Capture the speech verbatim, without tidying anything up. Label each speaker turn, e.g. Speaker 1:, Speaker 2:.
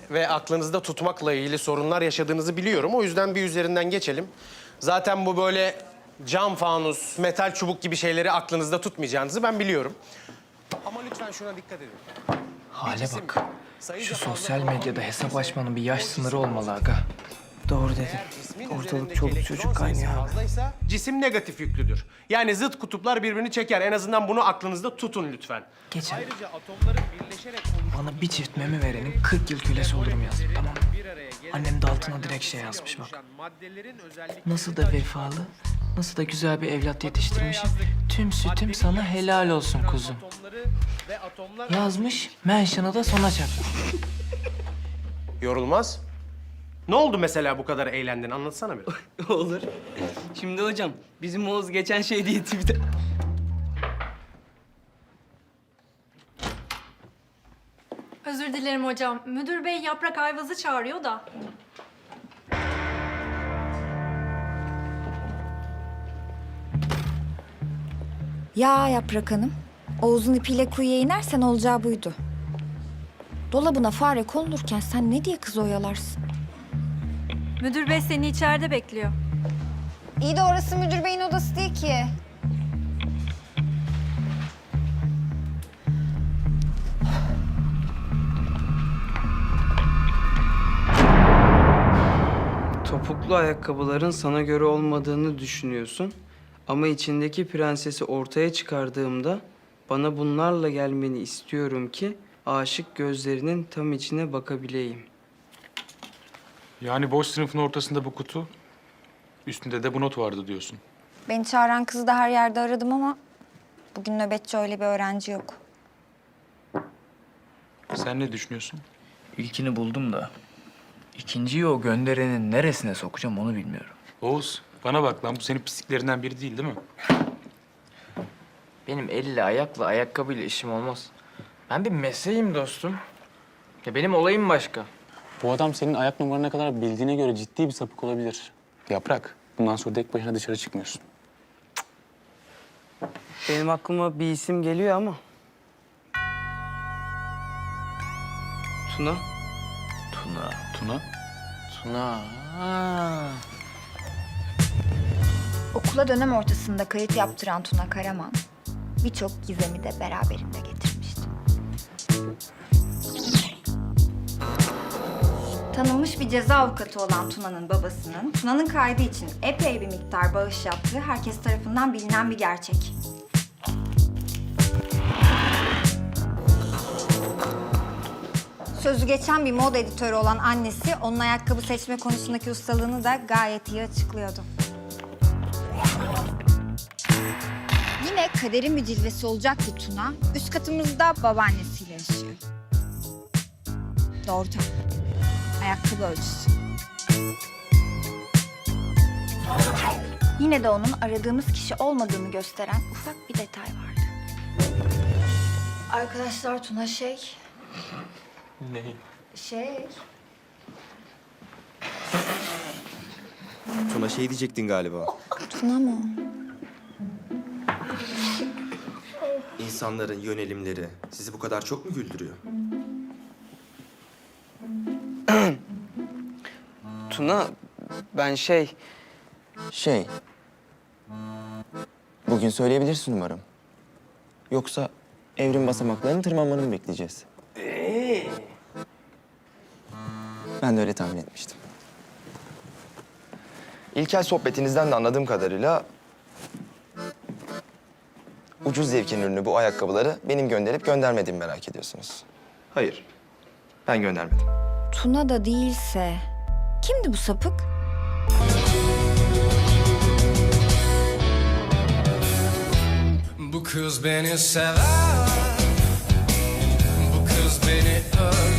Speaker 1: ve aklınızda tutmakla ilgili sorunlar yaşadığınızı biliyorum. O yüzden bir üzerinden geçelim. Zaten bu böyle cam fanus, metal çubuk gibi şeyleri aklınızda tutmayacağınızı ben biliyorum. Ama lütfen şuna dikkat edin.
Speaker 2: Hale bak. Şu sosyal medyada hesap açmanın bir yaş sınırı olmalı aga. Doğru dedi. Ortalık çoluk çocuk kaynıyor abi.
Speaker 1: Fazlaysa, cisim negatif yüklüdür. Yani zıt kutuplar birbirini çeker. En azından bunu aklınızda tutun lütfen.
Speaker 2: Geçen
Speaker 1: Ayrıca atomların birleşerek
Speaker 2: bana bir çift meme verenin kırk yıl kölesi olurum yazdı, tamam mı? Annem de altına direkt şey yazmış bak. Nasıl da vefalı, nasıl da güzel bir evlat yetiştirmişim. Tüm sütüm sana helal olsun kuzum. Yazmış, mention'ı da sona çakmış.
Speaker 1: Yorulmaz. Ne oldu mesela bu kadar eğlendin? Anlatsana bir.
Speaker 3: Olur. Şimdi hocam, bizim Oğuz geçen şey diye bir de...
Speaker 4: Özür dilerim hocam. Müdür bey Yaprak Ayvaz'ı çağırıyor da.
Speaker 5: Ya Yaprak Hanım, Oğuz'un ipiyle kuyuya inersen olacağı buydu. Dolabına fare konulurken sen ne diye kızı oyalarsın?
Speaker 4: Müdür bey seni içeride bekliyor.
Speaker 5: İyi de orası müdür beyin odası değil ki.
Speaker 3: Topuklu ayakkabıların sana göre olmadığını düşünüyorsun. Ama içindeki prensesi ortaya çıkardığımda bana bunlarla gelmeni istiyorum ki aşık gözlerinin tam içine bakabileyim.
Speaker 6: Yani boş sınıfın ortasında bu kutu, üstünde de bu not vardı diyorsun.
Speaker 5: Beni çağıran kızı da her yerde aradım ama bugün nöbetçi öyle bir öğrenci yok.
Speaker 6: Sen ne düşünüyorsun?
Speaker 2: İlkini buldum da ikinciyi o gönderenin neresine sokacağım onu bilmiyorum.
Speaker 6: Oğuz, bana bak lan, bu senin pisliklerinden biri değil değil mi?
Speaker 2: Benim elle, ayakla, ayakkabıyla işim olmaz. Ben bir mesleğim dostum. Ya benim olayım başka.
Speaker 7: Bu adam senin ayak numarana kadar bildiğine göre ciddi bir sapık olabilir. Yaprak, bundan sonra tek başına dışarı çıkmıyorsun.
Speaker 3: Benim aklıma bir isim geliyor ama. Tuna.
Speaker 2: Tuna,
Speaker 6: Tuna,
Speaker 2: Tuna. Ha.
Speaker 5: Okula dönem ortasında kayıt yaptıran Tuna Karaman birçok gizemi de beraberinde getirmişti. Tanınmış bir ceza avukatı olan Tuna'nın babasının Tuna'nın kaydı için epey bir miktar bağış yaptığı herkes tarafından bilinen bir gerçek. Sözü geçen bir moda editörü olan annesi onun ayakkabı seçme konusundaki ustalığını da gayet iyi açıklıyordu. Yine kaderin bir cilvesi olacak ki Tuna, üst katımızda babaannesiyle yaşıyor. Doğru tabii. Ayakkabı ölçüsü. Yine de onun aradığımız kişi olmadığını gösteren ufak bir detay vardı. Arkadaşlar Tuna şey...
Speaker 2: Ne?
Speaker 5: Şey...
Speaker 8: Tuna şey diyecektin galiba.
Speaker 5: Tuna mı?
Speaker 8: İnsanların yönelimleri sizi bu kadar çok mu güldürüyor?
Speaker 3: Tuna, ben şey...
Speaker 8: Şey... Bugün söyleyebilirsin umarım. Yoksa evrim basamaklarını tırmanmanı mı bekleyeceğiz? Ben de öyle tahmin etmiştim. İlkel sohbetinizden de anladığım kadarıyla... ucuz zevkin ürünü bu ayakkabıları benim gönderip göndermediğimi merak ediyorsunuz. Hayır, ben göndermedim.
Speaker 5: Tuna da değilse... Kimdi bu sapık?
Speaker 9: Bu kız beni sever, bu kız beni öldürür.